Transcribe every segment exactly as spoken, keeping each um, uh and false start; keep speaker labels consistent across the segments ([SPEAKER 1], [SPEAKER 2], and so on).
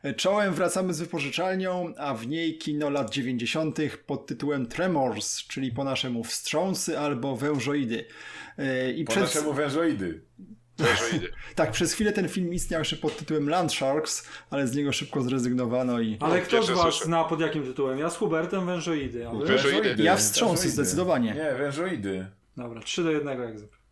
[SPEAKER 1] Czołem wracamy z wypożyczalnią, a w niej kino lat dziewięćdziesiątych pod tytułem Tremors, czyli po naszemu wstrząsy albo wężoidy.
[SPEAKER 2] I po przed... naszemu wężoidy.
[SPEAKER 3] Wężoidy.
[SPEAKER 1] Tak, przez chwilę ten film istniał jeszcze pod tytułem Land Sharks, ale z niego szybko zrezygnowano i...
[SPEAKER 4] Ale
[SPEAKER 3] no,
[SPEAKER 4] kto z was
[SPEAKER 3] słyszę.
[SPEAKER 4] zna pod jakim tytułem? Ja z Hubertem wężoidy. A wy?
[SPEAKER 3] Wężoidy.
[SPEAKER 1] Ja wstrząsy,
[SPEAKER 2] Wężoidy.
[SPEAKER 1] zdecydowanie.
[SPEAKER 2] Nie, wężoidy.
[SPEAKER 4] Dobra, trzy do jednego jak zwykle.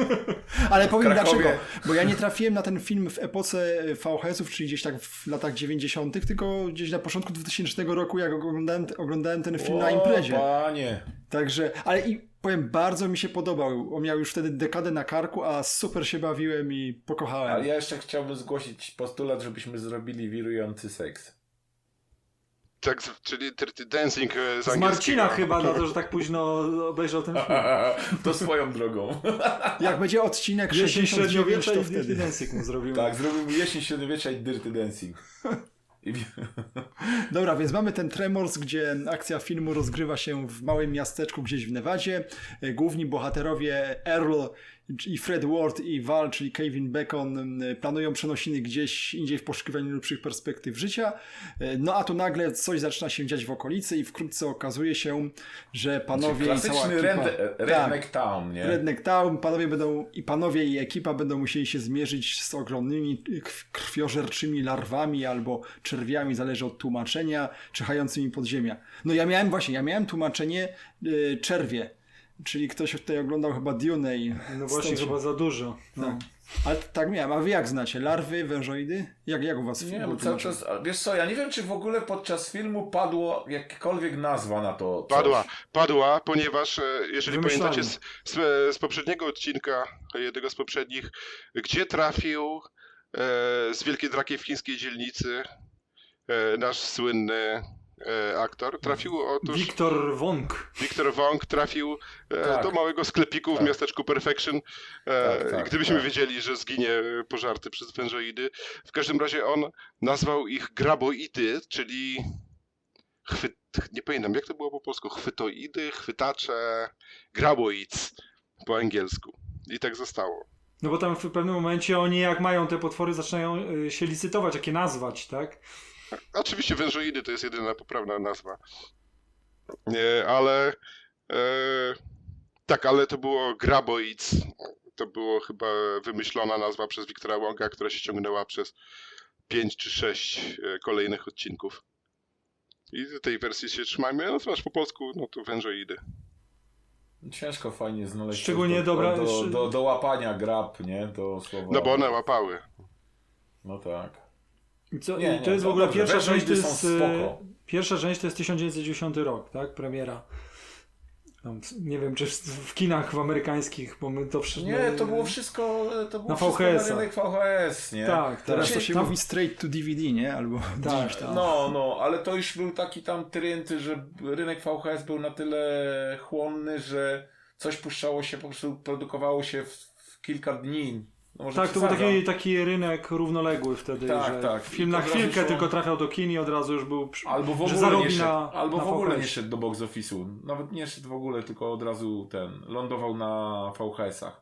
[SPEAKER 1] Ale powiem
[SPEAKER 2] Krakowie.
[SPEAKER 1] dlaczego, bo ja nie trafiłem na ten film w epoce V H S-ów, czyli gdzieś tak w latach dziewięćdziesiątych, tylko gdzieś na początku dwutysięcznego roku, jak oglądałem, oglądałem ten film
[SPEAKER 2] o,
[SPEAKER 1] na imprezie.
[SPEAKER 2] Panie.
[SPEAKER 1] Także, ale i powiem, bardzo mi się podobał. On miał już wtedy dekadę na karku, a super się bawiłem i pokochałem.
[SPEAKER 2] Ale ja jeszcze chciałbym zgłosić postulat, żebyśmy zrobili wirujący seks.
[SPEAKER 3] Tak, czyli Dirty Dancing z,
[SPEAKER 4] Z Marcina chyba na to, że tak późno obejrzał ten film.
[SPEAKER 2] To swoją drogą.
[SPEAKER 1] Jak będzie odcinek
[SPEAKER 4] Jesień
[SPEAKER 1] sześćdziesiąt dziewięć,
[SPEAKER 4] średniowiecza
[SPEAKER 1] to
[SPEAKER 4] i Dirty
[SPEAKER 1] wtedy.
[SPEAKER 4] Dancing mu zrobimy.
[SPEAKER 2] Tak, zrobimy jesień średniowiecza i Dirty Dancing. I...
[SPEAKER 1] Dobra, więc mamy ten Tremors, gdzie akcja filmu rozgrywa się w małym miasteczku gdzieś w Nevadzie. Główni bohaterowie Earl i Fred Ward i Val, czyli Kevin Bacon, planują przenosiny gdzieś indziej w poszukiwaniu lepszych perspektyw życia. No a tu nagle coś zaczyna się dziać w okolicy i wkrótce okazuje się, że panowie i cała
[SPEAKER 2] klasyczny
[SPEAKER 1] ekipa...
[SPEAKER 2] red, Redneck Town, nie?
[SPEAKER 1] Redneck Town, panowie będą i panowie i ekipa będą musieli się zmierzyć z ogromnymi krwiożerczymi larwami albo czerwiami, zależy od tłumaczenia, czyhającymi pod ziemia. No ja miałem właśnie, ja miałem tłumaczenie yy, czerwie, czyli ktoś tutaj oglądał chyba Dune i...
[SPEAKER 4] No właśnie,
[SPEAKER 1] stąd się-
[SPEAKER 4] chyba za dużo. No.
[SPEAKER 1] Tak. Ale tak miałem, a wy jak znacie? Larwy, wężoidy? Jak, jak u was
[SPEAKER 2] Nie
[SPEAKER 1] było
[SPEAKER 2] wiem, cały
[SPEAKER 1] tłumaczone?
[SPEAKER 2] czas, a wiesz co, ja nie wiem, czy w ogóle podczas filmu padło jakakolwiek nazwa na to coś.
[SPEAKER 3] Padła, padła, ponieważ e, jeżeli
[SPEAKER 4] Wymyślałem.
[SPEAKER 3] pamiętacie z, z, z poprzedniego odcinka, jednego z poprzednich, gdzie trafił e, z Wielkiej Drakiej w chińskiej dzielnicy e, nasz słynny e, aktor, trafił otóż...
[SPEAKER 4] Wiktor Wong.
[SPEAKER 3] Wiktor Wong trafił e,
[SPEAKER 2] Tak.
[SPEAKER 3] do małego sklepiku
[SPEAKER 2] Tak.
[SPEAKER 3] w miasteczku Perfection. E,
[SPEAKER 2] Tak, tak,
[SPEAKER 3] gdybyśmy
[SPEAKER 2] tak.
[SPEAKER 3] wiedzieli, że zginie pożarty przez wężoidy. W każdym razie on nazwał ich graboidy, czyli chwyt, nie pamiętam jak to było po polsku, chwytoidy, chwytacze, graboids po angielsku. I tak zostało.
[SPEAKER 4] No bo tam w pewnym momencie oni jak mają te potwory zaczynają y, się licytować, jak je nazwać, tak?
[SPEAKER 3] Oczywiście wężoidy to jest jedyna poprawna nazwa. Nie, ale e, tak, ale to było graboids. To było chyba wymyślona nazwa przez Wiktora Wonga, która się ciągnęła przez pięć czy sześć e, kolejnych odcinków. I tej wersji się trzymajmy, natomiast po polsku no to wężoidy.
[SPEAKER 2] Ciężko fajnie znaleźć
[SPEAKER 4] Szczególnie
[SPEAKER 2] coś do,
[SPEAKER 4] dobra-
[SPEAKER 2] do, do, do, do łapania grab, nie? To słowo.
[SPEAKER 3] No bo one łapały.
[SPEAKER 2] No tak.
[SPEAKER 4] I co,
[SPEAKER 2] Nie,
[SPEAKER 4] i to
[SPEAKER 2] nie,
[SPEAKER 4] jest
[SPEAKER 2] to
[SPEAKER 4] w ogóle
[SPEAKER 2] dobrze.
[SPEAKER 4] pierwsza część, to
[SPEAKER 2] Wężoidy
[SPEAKER 4] jest,
[SPEAKER 2] są
[SPEAKER 4] y,
[SPEAKER 2] spoko.
[SPEAKER 4] pierwsza część to jest tysiąc dziewięćset dziewięćdziesiąty rok, tak? Premiera. Tam, nie wiem, czy w, w kinach amerykańskich, bo my to przy...
[SPEAKER 2] Nie, to było wszystko, to było
[SPEAKER 4] Na
[SPEAKER 2] wszystko
[SPEAKER 4] V H S-a.
[SPEAKER 2] na rynek V H S, nie?
[SPEAKER 4] Tak,
[SPEAKER 1] Teraz
[SPEAKER 4] tak.
[SPEAKER 1] to się
[SPEAKER 4] Tam-
[SPEAKER 1] mówi straight to D V D, nie? Albo
[SPEAKER 4] Tak,
[SPEAKER 1] gdzieś tam.
[SPEAKER 2] No, no, ale to już był taki tam trend, że rynek V H S był na tyle chłonny, że coś puszczało się, po prostu produkowało się w, w kilka dni. No może
[SPEAKER 4] Tak, to był
[SPEAKER 2] przesadzam.
[SPEAKER 4] taki, taki rynek równoległy wtedy,
[SPEAKER 2] Tak,
[SPEAKER 4] że
[SPEAKER 2] tak.
[SPEAKER 4] film
[SPEAKER 2] I
[SPEAKER 4] na
[SPEAKER 2] to od razu
[SPEAKER 4] chwilkę
[SPEAKER 2] szło-
[SPEAKER 4] tylko trafiał do kin i od razu już był... przy-
[SPEAKER 2] Albo w
[SPEAKER 4] że
[SPEAKER 2] ogóle,
[SPEAKER 4] zarobi
[SPEAKER 2] nie szedł,
[SPEAKER 4] na,
[SPEAKER 2] albo
[SPEAKER 4] na
[SPEAKER 2] w ogóle
[SPEAKER 4] V H S.
[SPEAKER 2] nie szedł do box office'u. Nawet nie szedł w ogóle, tylko od razu ten, lądował na V H S-ach.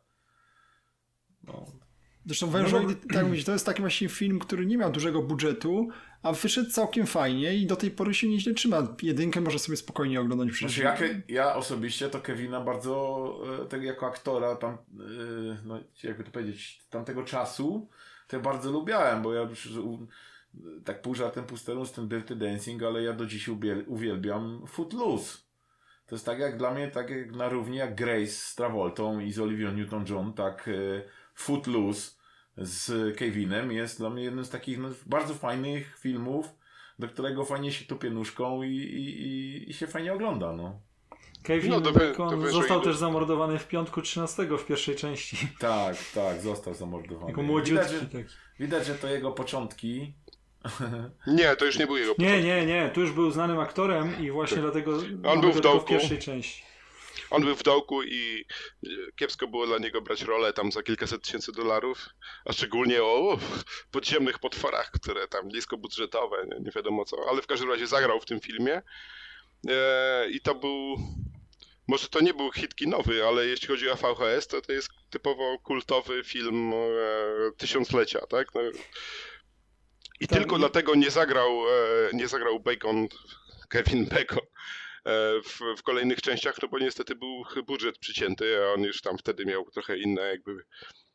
[SPEAKER 2] No.
[SPEAKER 1] Zresztą Wężoidy, tak mówić, to jest taki właśnie film, który nie miał dużego budżetu, a wyszedł całkiem fajnie i do tej pory się nieźle trzyma. Jedynkę może sobie spokojnie oglądać przecież.
[SPEAKER 2] Znaczy ja, ja osobiście to Kevina bardzo, e, tak jako aktora tam, e, no jakby to powiedzieć, tamtego czasu, to ja bardzo lubiałem, bo ja już u- tak pół żartem, pół serio z tym Dirty Dancing, ale ja do dziś ubie- uwielbiam Footloose. To jest tak jak dla mnie, tak jak na równi jak Grace z Travoltą i z Olivia Newton-John, tak e, Footloose z Kevinem jest dla mnie jednym z takich no, bardzo fajnych filmów, do którego fajnie się tupie nóżką i, i, i, i się fajnie ogląda, no.
[SPEAKER 4] Kevin
[SPEAKER 3] No, do wy-
[SPEAKER 4] Bacon
[SPEAKER 3] do wyżej
[SPEAKER 4] został
[SPEAKER 3] idę.
[SPEAKER 4] też zamordowany w piątku trzynastego w pierwszej części.
[SPEAKER 2] Tak, tak, został zamordowany.
[SPEAKER 4] Jako
[SPEAKER 2] Widać,
[SPEAKER 4] młodziutki
[SPEAKER 2] że,
[SPEAKER 4] taki.
[SPEAKER 2] widać, że to jego początki.
[SPEAKER 3] Nie, to już nie był jego
[SPEAKER 4] Nie,
[SPEAKER 3] początek.
[SPEAKER 4] nie, nie, tu już był znanym aktorem i właśnie dlatego mamy
[SPEAKER 3] był
[SPEAKER 4] go
[SPEAKER 3] w
[SPEAKER 4] tylko
[SPEAKER 3] dołku.
[SPEAKER 4] w pierwszej części.
[SPEAKER 3] On był w dołku i e, kiepsko było dla niego brać rolę tam za kilkaset tysięcy dolarów, a szczególnie o uff, podziemnych potworach, które tam niskobudżetowe, nie, nie wiadomo co, ale w każdym razie zagrał w tym filmie e, i to był, może to nie był hit kinowy, ale jeśli chodzi o V H S, to to jest typowo kultowy film e, tysiąclecia, tak? No, I
[SPEAKER 4] Tak,
[SPEAKER 3] tylko
[SPEAKER 4] i-
[SPEAKER 3] dlatego nie zagrał, e, nie zagrał Bacon, Kevin Bacon e, w, w kolejnych częściach, no bo niestety był budżet przycięty, a on już tam wtedy miał trochę inne jakby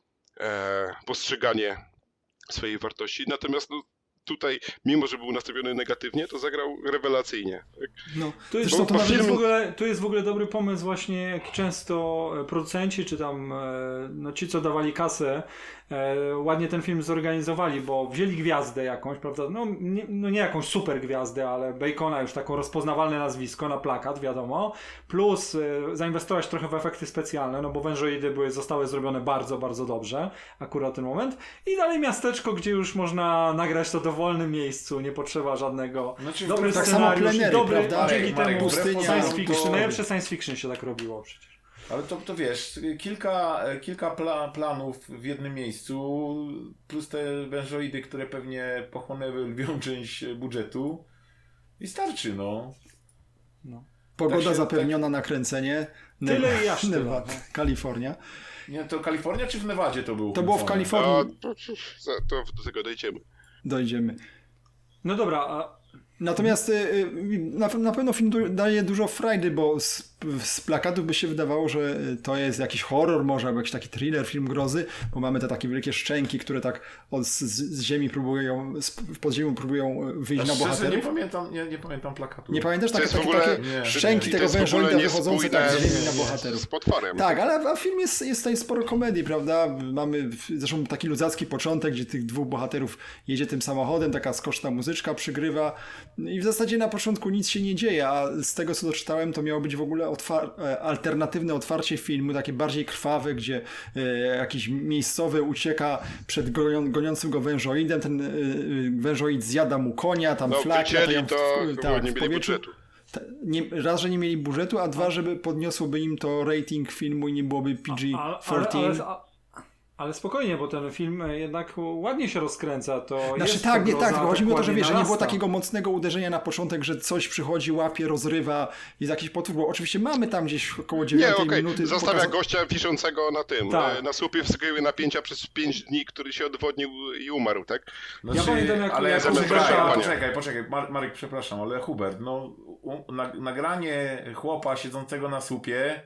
[SPEAKER 3] e, postrzeganie swojej wartości. Natomiast no, tutaj, mimo że był nastawiony negatywnie, to zagrał rewelacyjnie. Tak?
[SPEAKER 1] No,
[SPEAKER 4] Tu jest,
[SPEAKER 1] zresztą
[SPEAKER 4] to
[SPEAKER 1] to
[SPEAKER 4] jest, w
[SPEAKER 1] nawet...
[SPEAKER 4] ogóle, tu jest w ogóle dobry pomysł właśnie, jak często e, producenci, czy tam e, no ci, co dawali kasę, e, ładnie ten film zorganizowali, bo wzięli gwiazdę jakąś, prawda, no nie, no nie jakąś super gwiazdę, ale Bacona, już taką rozpoznawalne nazwisko na plakat, wiadomo, plus e, zainwestować trochę w efekty specjalne, no bo wężoidy były, zostały zrobione bardzo, bardzo dobrze, akurat ten moment, i dalej miasteczko, gdzie już można nagrać to w dowolnym miejscu, nie potrzeba żadnego,
[SPEAKER 2] Znaczy,
[SPEAKER 4] dobry
[SPEAKER 1] tak samo
[SPEAKER 4] scenariusz,
[SPEAKER 1] plenery,
[SPEAKER 4] dobry,
[SPEAKER 1] prawda?
[SPEAKER 4] dzięki
[SPEAKER 2] Marek,
[SPEAKER 4] temu
[SPEAKER 1] pustynia,
[SPEAKER 4] science
[SPEAKER 1] to-
[SPEAKER 4] fiction, najlepsze science fiction się tak robiło przecież.
[SPEAKER 2] Ale to, to wiesz, kilka, kilka pla, planów w jednym miejscu, plus te wężoidy, które pewnie pochłonęły lwią część budżetu i starczy, no.
[SPEAKER 4] No.
[SPEAKER 1] Pogoda
[SPEAKER 2] tak się-
[SPEAKER 1] zapewniona na kręcenie.
[SPEAKER 4] Tyle i aż tyle,
[SPEAKER 1] Nevada,
[SPEAKER 4] no.
[SPEAKER 1] Kalifornia.
[SPEAKER 2] Nie, to Kalifornia czy w Nevadzie to było?
[SPEAKER 1] To było w
[SPEAKER 2] kręcone?
[SPEAKER 1] Kalifornii.
[SPEAKER 3] A, to, to, to do tego dojdziemy.
[SPEAKER 1] Dojdziemy.
[SPEAKER 4] No dobra, a
[SPEAKER 1] Natomiast y, y, na, na pewno film du- daje dużo frajdy, bo z, z plakatów by się wydawało, że y, to jest jakiś horror może, albo jakiś taki thriller, film grozy, bo mamy te takie wielkie szczęki, które tak od, z, z ziemi próbują, z, w podziemiu próbują wyjść
[SPEAKER 2] A
[SPEAKER 1] na
[SPEAKER 2] szczerze, nie
[SPEAKER 1] bohaterów.
[SPEAKER 2] pamiętam, nie, nie pamiętam plakatu.
[SPEAKER 1] Nie pamiętasz?
[SPEAKER 3] To
[SPEAKER 1] Takie,
[SPEAKER 3] jest w
[SPEAKER 1] takie,
[SPEAKER 3] ogóle-
[SPEAKER 1] takie
[SPEAKER 2] nie.
[SPEAKER 1] szczęki
[SPEAKER 3] I to
[SPEAKER 1] tego
[SPEAKER 3] jest w ogóle
[SPEAKER 1] wężoida wychodzące tak z
[SPEAKER 3] niespójne
[SPEAKER 1] ziemi na
[SPEAKER 3] z-
[SPEAKER 1] bohaterów.
[SPEAKER 3] z potworem.
[SPEAKER 1] Tak, ale a film jest, jest tutaj sporo komedii, prawda? Mamy w- zresztą taki ludzki początek, gdzie tych dwóch bohaterów jedzie tym samochodem, taka skoczna muzyczka przygrywa i w zasadzie na początku nic się nie dzieje, a z tego co doczytałem, to miało być w ogóle otwar- e, alternatywne otwarcie filmu, takie bardziej krwawe, gdzie e, jakiś miejscowy ucieka przed gonią- goniącym go wężoidem, ten e, e, wężoid zjada mu konia, tam
[SPEAKER 3] No
[SPEAKER 1] flaki
[SPEAKER 3] wycięli
[SPEAKER 1] latają w-
[SPEAKER 3] to,
[SPEAKER 1] w-
[SPEAKER 3] chyba
[SPEAKER 1] tak,
[SPEAKER 3] nie
[SPEAKER 1] w
[SPEAKER 3] mieli
[SPEAKER 1] powietrzu.
[SPEAKER 3] budżetu.
[SPEAKER 1] Ta- Nie, raz, że nie mieli budżetu, a dwa, żeby podniosłoby im to rating filmu i nie byłoby P G
[SPEAKER 4] ale, ale,
[SPEAKER 1] czternaście.
[SPEAKER 4] ale, ale spokojnie, bo ten film jednak ładnie się rozkręca, to
[SPEAKER 1] Znaczy
[SPEAKER 4] jest
[SPEAKER 1] tak, nie
[SPEAKER 4] groza,
[SPEAKER 1] tak, tylko chodzi mi o to, że
[SPEAKER 4] ładnie
[SPEAKER 1] wiesz, że nie było
[SPEAKER 4] narasta.
[SPEAKER 1] takiego mocnego uderzenia na początek, że coś przychodzi, łapie, rozrywa, jest jakiś potwór, bo oczywiście mamy tam gdzieś około
[SPEAKER 3] Nie,
[SPEAKER 1] dziewiątej
[SPEAKER 3] okej,
[SPEAKER 1] minuty.
[SPEAKER 3] zostawia
[SPEAKER 1] pokaza-
[SPEAKER 3] gościa wiszącego na tym,
[SPEAKER 4] Tak.
[SPEAKER 3] e, na słupie wysokiego napięcia przez pięć dni, który się odwodnił i umarł, tak?
[SPEAKER 2] Znaczy,
[SPEAKER 4] Ja pamiętam, jak-
[SPEAKER 2] ale
[SPEAKER 4] jak
[SPEAKER 2] poczekaj,
[SPEAKER 3] Huberta-
[SPEAKER 2] poczekaj, poczekaj, Mar- Marek, przepraszam, ale Hubert, no u, na, nagranie chłopa siedzącego na słupie,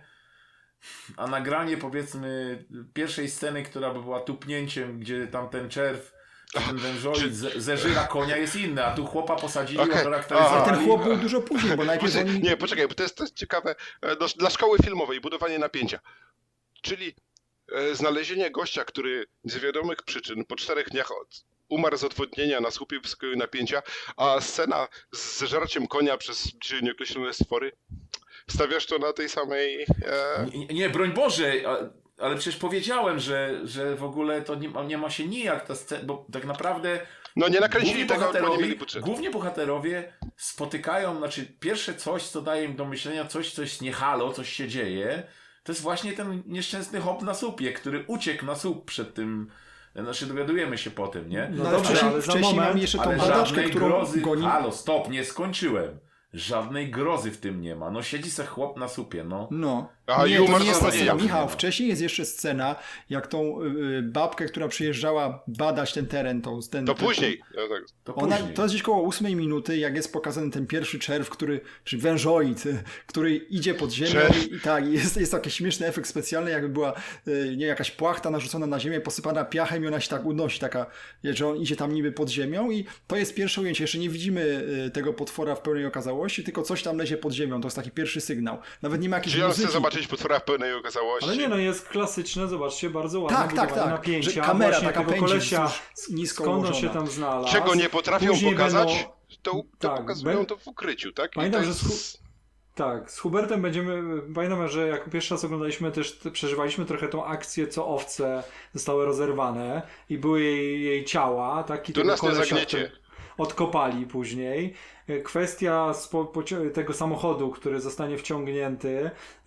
[SPEAKER 2] a nagranie powiedzmy pierwszej sceny, która by była tupnięciem, gdzie tam ten czerw, czy ten wężoid ze, zeżyra konia jest inne, a tu chłopa posadzili,
[SPEAKER 3] Okej.
[SPEAKER 1] Ale
[SPEAKER 2] charakteryzowali.
[SPEAKER 1] ten chłop był dużo później, bo najpierw
[SPEAKER 3] Poczekaj,
[SPEAKER 1] oni...
[SPEAKER 3] nie, poczekaj, bo to jest, to jest ciekawe. e, Do, dla szkoły filmowej budowanie napięcia. Czyli e, znalezienie gościa, który z wiadomych przyczyn po czterech dniach od, umarł z odwodnienia na słupie wysokiego napięcia, a scena z zeżarciem konia przez bliżej nieokreślone stwory. Stawiasz to na tej samej... E,
[SPEAKER 2] Nie, nie, broń Boże, a- ale przecież powiedziałem, że, że w ogóle to nie ma, nie ma się nijak ta scena, bo tak naprawdę
[SPEAKER 3] no nie nakręcili
[SPEAKER 2] główni
[SPEAKER 3] tego, bo nie
[SPEAKER 2] bohaterowie,
[SPEAKER 3] mieli budżetu.
[SPEAKER 2] głównie bohaterowie spotykają, znaczy pierwsze coś, co daje im do myślenia, coś, coś nie halo, coś się dzieje, to jest właśnie ten nieszczęsny hop na słupie, który uciekł na słup przed tym, znaczy dowiadujemy się po tym, nie?
[SPEAKER 4] No
[SPEAKER 1] No, ale
[SPEAKER 4] dobrze,
[SPEAKER 1] wcześniej,
[SPEAKER 4] ale za
[SPEAKER 1] wcześniej
[SPEAKER 4] moment-
[SPEAKER 1] mamy jeszcze tą
[SPEAKER 2] Ale
[SPEAKER 1] badaczkę,
[SPEAKER 2] żadnej
[SPEAKER 1] którą
[SPEAKER 2] grozy,
[SPEAKER 1] goni...
[SPEAKER 2] halo, stop, nie skończyłem. Żadnej grozy w tym nie ma. No siedzi se chłop na słupie, no.
[SPEAKER 1] No.
[SPEAKER 3] A,
[SPEAKER 1] nie,
[SPEAKER 3] i
[SPEAKER 1] to
[SPEAKER 3] umarł
[SPEAKER 1] nie
[SPEAKER 3] z
[SPEAKER 1] jest ta
[SPEAKER 3] odwodnienia.
[SPEAKER 1] scena. Michał,
[SPEAKER 2] Nie ma.
[SPEAKER 1] wcześniej jest jeszcze scena, jak tą y, babkę, która przyjeżdżała badać ten teren, tą, ten,
[SPEAKER 3] To
[SPEAKER 1] ten,
[SPEAKER 3] później. Ja tak,
[SPEAKER 2] To
[SPEAKER 1] Ona,
[SPEAKER 2] później.
[SPEAKER 1] to jest gdzieś koło ósmej minuty, jak jest pokazany ten pierwszy czerw, który, czy wężoid, y, który idzie pod ziemię
[SPEAKER 3] Czerw.
[SPEAKER 1] i, i tak, jest, jest taki śmieszny efekt specjalny, jakby była y, nie, jakaś płachta narzucona na ziemię, posypana piachem i ona się tak unosi, taka, że on idzie tam niby pod ziemią i to jest pierwsze ujęcie. Jeszcze nie widzimy y, tego potwora w pełnej okazałości, tylko coś tam lezie pod ziemią. To jest taki pierwszy sygnał. Nawet nie ma jakiejś
[SPEAKER 3] Czyli on chce
[SPEAKER 1] muzyki.
[SPEAKER 3] zobaczyć potwora w pełnej okazałości.
[SPEAKER 4] Ale nie no, jest klasyczne, zobaczcie, bardzo ładne
[SPEAKER 1] Tak, tak,
[SPEAKER 4] budowanie
[SPEAKER 1] tak.
[SPEAKER 4] napięcia,
[SPEAKER 1] Że kamera
[SPEAKER 4] właśnie
[SPEAKER 1] taka
[SPEAKER 4] tego
[SPEAKER 1] pędzi
[SPEAKER 4] kolesia,
[SPEAKER 1] wzdłuż, nisko
[SPEAKER 4] skąd on
[SPEAKER 1] ułożona.
[SPEAKER 4] się tam znalazł.
[SPEAKER 3] Czego nie potrafią
[SPEAKER 4] Później
[SPEAKER 3] pokazać,
[SPEAKER 4] będą-
[SPEAKER 3] to, to
[SPEAKER 4] Tak,
[SPEAKER 3] pokazują
[SPEAKER 4] ben-
[SPEAKER 3] to w ukryciu, tak? I
[SPEAKER 4] Pamiętam,
[SPEAKER 3] to
[SPEAKER 4] że
[SPEAKER 3] jest...
[SPEAKER 4] z Tak, z Hubertem będziemy, pamiętam, że jak pierwszy raz oglądaliśmy też, te- przeżywaliśmy trochę tą akcję, co owce zostały rozerwane i były jej, jej ciała, tak? I
[SPEAKER 3] To
[SPEAKER 4] tego
[SPEAKER 3] nas nie
[SPEAKER 4] kolesia
[SPEAKER 3] zagniecie.
[SPEAKER 4] odkopali później. E, Kwestia spo, pocio- tego samochodu, który zostanie wciągnięty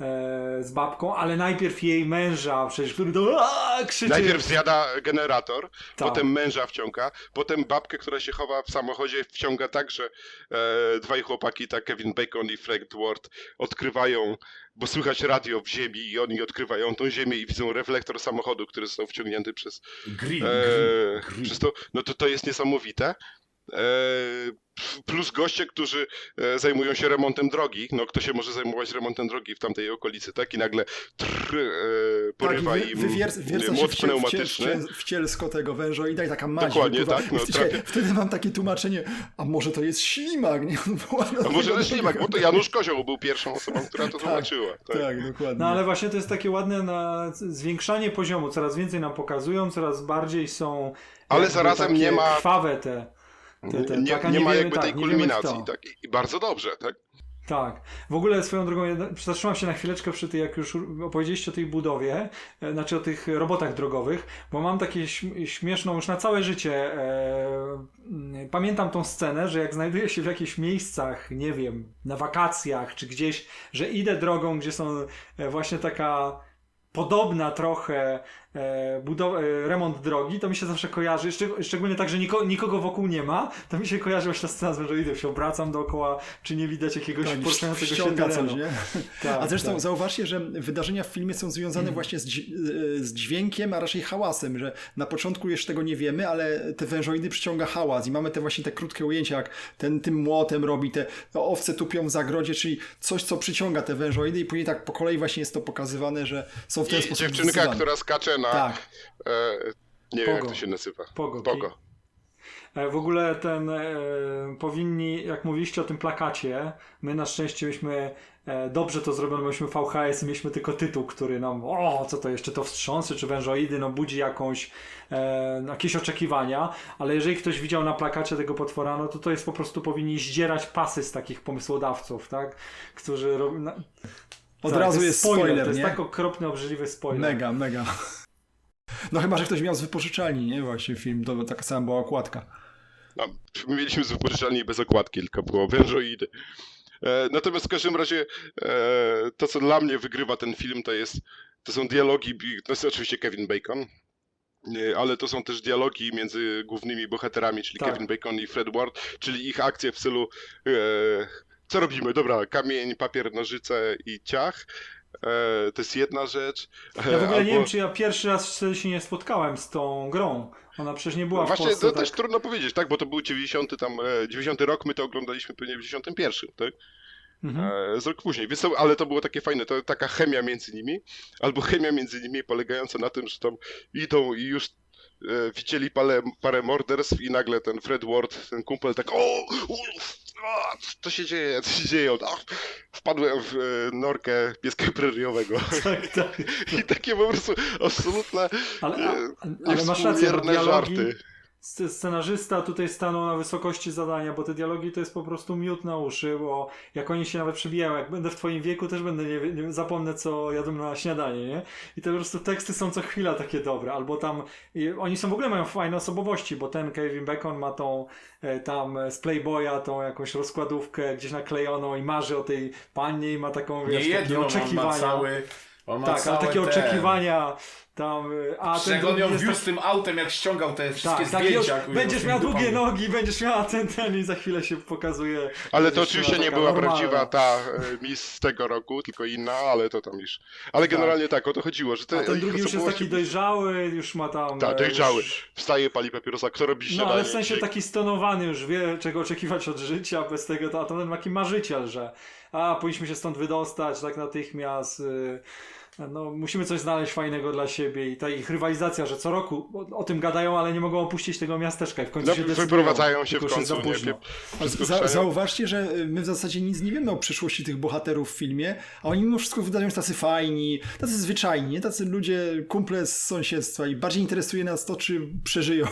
[SPEAKER 4] e, z babką, ale najpierw jej męża, przecież, który to aaa, krzyczy.
[SPEAKER 3] Najpierw zjada generator,
[SPEAKER 4] Tak.
[SPEAKER 3] potem męża wciąga, potem babkę, która się chowa w samochodzie, wciąga tak, że e, dwaj chłopaki, tak Kevin Bacon i Fred Ward, odkrywają, bo słychać radio w ziemi i oni odkrywają tą ziemię i widzą reflektor samochodu, który został wciągnięty przez,
[SPEAKER 2] Grill,
[SPEAKER 3] e,
[SPEAKER 2] grill, grill.
[SPEAKER 3] przez to. No to to jest niesamowite. E, plus goście, którzy e, zajmują się remontem drogi. No kto się może zajmować remontem drogi w tamtej okolicy, tak? I nagle trr, e, porywa
[SPEAKER 1] tak,
[SPEAKER 3] im
[SPEAKER 1] wy, wywierca się
[SPEAKER 3] młot
[SPEAKER 1] w, cie, w, cie,
[SPEAKER 3] pneumatyczny.
[SPEAKER 1] w cielsko tego wężoida i taka maź
[SPEAKER 3] Dokładnie,
[SPEAKER 1] wypływa.
[SPEAKER 3] tak, no,
[SPEAKER 1] wtedy,
[SPEAKER 3] trafię-
[SPEAKER 1] wtedy mam takie tłumaczenie, a może to jest ślimak, nie?
[SPEAKER 3] A może też ślimak, bo to Janusz Kozioł był pierwszą osobą, która to
[SPEAKER 1] Tak,
[SPEAKER 3] zobaczyła. Tak.
[SPEAKER 1] Tak, dokładnie.
[SPEAKER 4] No ale właśnie to jest takie ładne na zwiększanie poziomu, coraz więcej nam pokazują, coraz bardziej są
[SPEAKER 3] Ale
[SPEAKER 4] jakby
[SPEAKER 3] zarazem
[SPEAKER 4] takie
[SPEAKER 3] nie ma-
[SPEAKER 4] krwawe te, te, te
[SPEAKER 3] Nie,
[SPEAKER 4] tak, a
[SPEAKER 3] nie ma
[SPEAKER 4] wiemy,
[SPEAKER 3] jakby
[SPEAKER 4] tak,
[SPEAKER 3] tej
[SPEAKER 4] nie wiemy
[SPEAKER 3] kulminacji,
[SPEAKER 4] kto.
[SPEAKER 3] tak? I- I bardzo dobrze, tak?
[SPEAKER 4] Tak. W ogóle swoją drogą, jedna- zatrzymam się na chwileczkę przy tej, jak już opowiedzieliście o tej budowie, e, znaczy o tych robotach drogowych, bo mam takie śm- śmieszną już na całe życie. E, mm, pamiętam tą scenę, że jak znajduję się w jakichś miejscach, nie wiem, na wakacjach czy gdzieś, że idę drogą, gdzie są e, właśnie taka podobna trochę e, budow- e, remont drogi, to mi się zawsze kojarzy, szczeg- szczególnie tak, że niko- nikogo wokół nie ma, to mi się kojarzy właśnie ta scena z wężoidem, się obracam dookoła, czy nie widać jakiegoś
[SPEAKER 1] Tak,
[SPEAKER 4] poruszającego się
[SPEAKER 1] ściąga
[SPEAKER 4] terenu.
[SPEAKER 1] coś, nie?
[SPEAKER 4] Tak,
[SPEAKER 1] A zresztą
[SPEAKER 4] tak.
[SPEAKER 1] zauważcie, że wydarzenia w filmie są związane właśnie z, dź- z dźwiękiem, a raczej hałasem, że na początku jeszcze tego nie wiemy, ale te wężoidy przyciąga hałas i mamy te właśnie te krótkie ujęcia, jak ten tym młotem robi, te owce tupią w zagrodzie, czyli coś, co przyciąga te wężoidy i później tak po kolei właśnie jest to pokazywane, że są w ten
[SPEAKER 3] I
[SPEAKER 1] sposób
[SPEAKER 3] dziewczynka,
[SPEAKER 1] wzywane.
[SPEAKER 3] która skacze na...
[SPEAKER 1] Tak.
[SPEAKER 3] E, nie wiem, jak
[SPEAKER 4] Pogo.
[SPEAKER 3] to się nazywa.
[SPEAKER 4] Pogo.
[SPEAKER 3] Pogo.
[SPEAKER 4] E, W ogóle ten e, powinni, jak mówiliście o tym plakacie, my na szczęście myśmy e, dobrze to zrobiono, myśmy V H S i mieliśmy tylko tytuł, który nam, o, co to jeszcze, to wstrząsy czy wężoidy, no budzi jakąś, e, jakieś oczekiwania, ale jeżeli ktoś widział na plakacie tego potwora, no to to jest po prostu powinni zdzierać pasy z takich pomysłodawców, tak, którzy robią... Na...
[SPEAKER 1] Od
[SPEAKER 4] Tak,
[SPEAKER 1] razu
[SPEAKER 4] to
[SPEAKER 1] jest spoiler,
[SPEAKER 4] to jest
[SPEAKER 1] nie?
[SPEAKER 4] tak okropny, obrzydliwy spoiler.
[SPEAKER 1] Mega, mega. No chyba, że ktoś miał z wypożyczalni, nie? Właśnie film, to taka sama była okładka.
[SPEAKER 3] No, my mieliśmy z wypożyczalni bez okładki, tylko było wężoidy. E, natomiast w każdym razie e, to, co dla mnie wygrywa ten film, to jest to są dialogi, to jest oczywiście Kevin Bacon, nie, ale to są też dialogi między głównymi bohaterami, czyli
[SPEAKER 4] Tak.
[SPEAKER 3] Kevin Bacon i Fred Ward, czyli ich akcje w stylu e, co robimy? Dobra, kamień, papier, nożyce i ciach. E, to jest jedna rzecz. E,
[SPEAKER 4] Ja w ogóle
[SPEAKER 3] albo...
[SPEAKER 4] nie wiem, czy ja pierwszy raz wtedy się nie spotkałem z tą grą. Ona przecież nie była w
[SPEAKER 3] Właśnie
[SPEAKER 4] Polsce.
[SPEAKER 3] to
[SPEAKER 4] tak...
[SPEAKER 3] też trudno powiedzieć, tak? Bo to był dziewięćdziesiąty tam, e, dziewięćdziesiąty rok, my to oglądaliśmy pewnie w dziewięćdziesiątym pierwszym, tak?
[SPEAKER 4] Mhm.
[SPEAKER 3] E, z rok później, więc to, ale to było takie fajne, to taka chemia między nimi, albo chemia między nimi polegająca na tym, że tam idą i już e, widzieli parę, parę morderstw i nagle ten Fred Ward, ten kumpel tak o, uff, a, co się dzieje, co się dzieje, a, wpadłem w e, norkę pieska preriowego
[SPEAKER 4] Tak, tak.
[SPEAKER 3] i takie po prostu absolutne
[SPEAKER 4] Ale,
[SPEAKER 3] e,
[SPEAKER 4] a, ale masz rację, bo
[SPEAKER 3] niewspółmierne
[SPEAKER 4] dialogi,
[SPEAKER 3] żarty.
[SPEAKER 4] sc- scenarzysta tutaj stanął na wysokości zadania, bo te dialogi to jest po prostu miód na uszy, bo jak oni się nawet przebijają, jak będę w twoim wieku, też będę, nie, nie zapomnę co jadłem na śniadanie, nie? I to po prostu teksty są co chwila takie dobre, albo tam, i oni są w ogóle mają fajne osobowości, bo ten Kevin Bacon ma tą e, tam e, z Playboya tą jakąś rozkładówkę gdzieś naklejoną i marzy o tej pannie i ma taką,
[SPEAKER 2] Nie
[SPEAKER 4] wiesz,
[SPEAKER 2] jedno,
[SPEAKER 4] takie
[SPEAKER 2] on
[SPEAKER 4] oczekiwania.
[SPEAKER 2] ma cały... On ma
[SPEAKER 4] tak, ale
[SPEAKER 2] całe
[SPEAKER 4] takie
[SPEAKER 2] te...
[SPEAKER 4] oczekiwania tam, e, a ten
[SPEAKER 2] Jak on
[SPEAKER 4] drugi
[SPEAKER 2] ją
[SPEAKER 4] jest
[SPEAKER 2] wiózł
[SPEAKER 4] tak-
[SPEAKER 2] tym autem, jak ściągał te wszystkie
[SPEAKER 4] tak, tak, już
[SPEAKER 2] zdjęcia. kurwa,
[SPEAKER 4] będziesz
[SPEAKER 2] z
[SPEAKER 4] miał
[SPEAKER 2] tymi
[SPEAKER 4] długie
[SPEAKER 2] dupami.
[SPEAKER 4] nogi, będziesz miała ten, ten i za chwilę się pokazuje.
[SPEAKER 3] Ale to
[SPEAKER 4] dziewczyna
[SPEAKER 3] oczywiście nie
[SPEAKER 4] taka
[SPEAKER 3] była
[SPEAKER 4] normalna.
[SPEAKER 3] prawdziwa ta e, Miss z tego roku, tylko inna, ale to tam już. Ale generalnie tak, o to chodziło, że te
[SPEAKER 4] A ten
[SPEAKER 3] ich
[SPEAKER 4] drugi już jest
[SPEAKER 3] osobowości-
[SPEAKER 4] taki dojrzały, już ma tam...
[SPEAKER 3] Tak,
[SPEAKER 4] e,
[SPEAKER 3] dojrzały.
[SPEAKER 4] Już...
[SPEAKER 3] Wstaje, pali papierosa, kto robi śniadanie?
[SPEAKER 4] No ale w sensie
[SPEAKER 3] dzisiaj?
[SPEAKER 4] taki stonowany już wie, czego oczekiwać od życia, bez tego to, a to ten taki marzyciel, że a, powinniśmy się stąd wydostać tak natychmiast, y, no musimy coś znaleźć fajnego dla siebie i ta ich rywalizacja, że co roku o, o tym gadają, ale nie mogą opuścić tego miasteczka i w końcu
[SPEAKER 3] No,
[SPEAKER 4] się decydują.
[SPEAKER 3] wyprowadzają się
[SPEAKER 4] tylko
[SPEAKER 3] w
[SPEAKER 4] już jest
[SPEAKER 3] końcu,
[SPEAKER 4] za
[SPEAKER 3] nie?
[SPEAKER 4] późno.
[SPEAKER 1] A
[SPEAKER 3] Wszystko
[SPEAKER 1] za,
[SPEAKER 3] wstają.
[SPEAKER 1] zauważcie, że my w zasadzie nic nie wiemy o przyszłości tych bohaterów w filmie, a oni mimo wszystko wydają się tacy fajni, tacy zwyczajni, nie? Tacy ludzie, kumple z sąsiedztwa i bardziej interesuje nas to, czy przeżyją.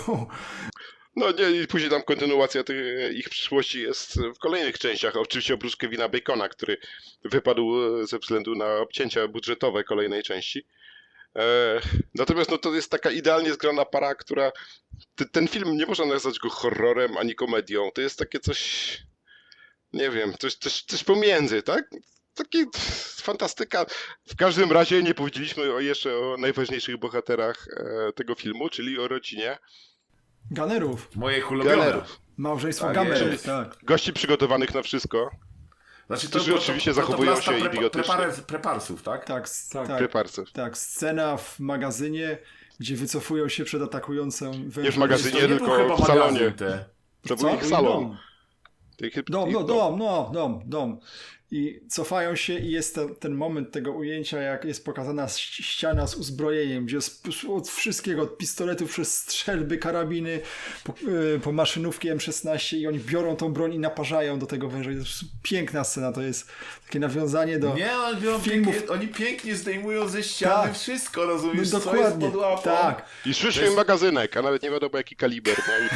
[SPEAKER 3] No nie, i później tam kontynuacja tych, ich przyszłości jest w kolejnych częściach, oczywiście oprócz Kevina Bacona, który wypadł ze względu na obcięcia budżetowe kolejnej części. E, natomiast no, to jest taka idealnie zgrana para, która... T- ten film nie można nazwać go horrorem ani komedią, to jest takie coś... Nie wiem, coś, coś, coś pomiędzy, tak? Taki fantastyka. W każdym razie nie powiedzieliśmy o, jeszcze o najważniejszych bohaterach e, tego filmu, czyli o rodzinie
[SPEAKER 1] Ganerów.
[SPEAKER 2] Moje ulubione.
[SPEAKER 3] Galerów.
[SPEAKER 1] Małżeństwo
[SPEAKER 2] Tak
[SPEAKER 1] Gamerów,
[SPEAKER 2] jest.
[SPEAKER 1] tak.
[SPEAKER 3] Gości przygotowanych na wszystko.
[SPEAKER 2] Znaczy,
[SPEAKER 3] Którzy oczywiście zachowują się
[SPEAKER 2] plasta
[SPEAKER 3] idiotycznie.
[SPEAKER 2] prepar- Preparsów, tak?
[SPEAKER 1] Tak, s-
[SPEAKER 4] Tak.
[SPEAKER 1] tak,
[SPEAKER 3] Preparców.
[SPEAKER 1] tak. Scena w magazynie, gdzie wycofują się przed atakującą wężem.
[SPEAKER 3] Nie w magazynie,
[SPEAKER 2] To nie był
[SPEAKER 3] tylko
[SPEAKER 2] chyba
[SPEAKER 3] w salonie.
[SPEAKER 2] magazyn te.
[SPEAKER 3] To
[SPEAKER 1] Co?
[SPEAKER 3] był ich salon.
[SPEAKER 4] Dom.
[SPEAKER 3] Ich-
[SPEAKER 1] Dom,
[SPEAKER 3] ich
[SPEAKER 1] no, dom, no, dom, dom. I cofają się i jest ten, ten moment tego ujęcia, jak jest pokazana ś- ściana z uzbrojeniem, gdzie jest p- od wszystkiego, od pistoletów przez strzelby, karabiny, po, y, po maszynówki M szesnaście i oni biorą tą broń i naparzają do tego węża. To jest piękna scena, to jest takie nawiązanie do
[SPEAKER 2] Nie, oni, biorą
[SPEAKER 1] filmów.
[SPEAKER 2] pięknie, oni pięknie zdejmują ze ściany
[SPEAKER 1] Tak.
[SPEAKER 2] wszystko, rozumiesz,
[SPEAKER 1] No,
[SPEAKER 2] co jest
[SPEAKER 1] dokładnie,
[SPEAKER 2] pod łapą.
[SPEAKER 1] tak.
[SPEAKER 3] I szliśmy
[SPEAKER 2] To jest-
[SPEAKER 3] magazynek, a nawet nie wiadomo jaki kaliber.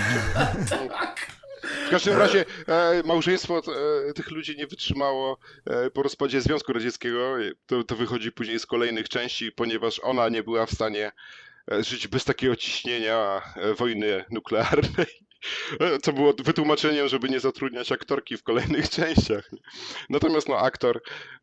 [SPEAKER 3] No i... W każdym razie e, małżeństwo e, tych ludzi nie wytrzymało e, po rozpadzie Związku Radzieckiego. To, to wychodzi później z kolejnych części, ponieważ ona nie była w stanie e, żyć bez takiego ciśnienia e, wojny nuklearnej. E, Co było wytłumaczeniem, żeby nie zatrudniać aktorki w kolejnych częściach. Natomiast no aktor,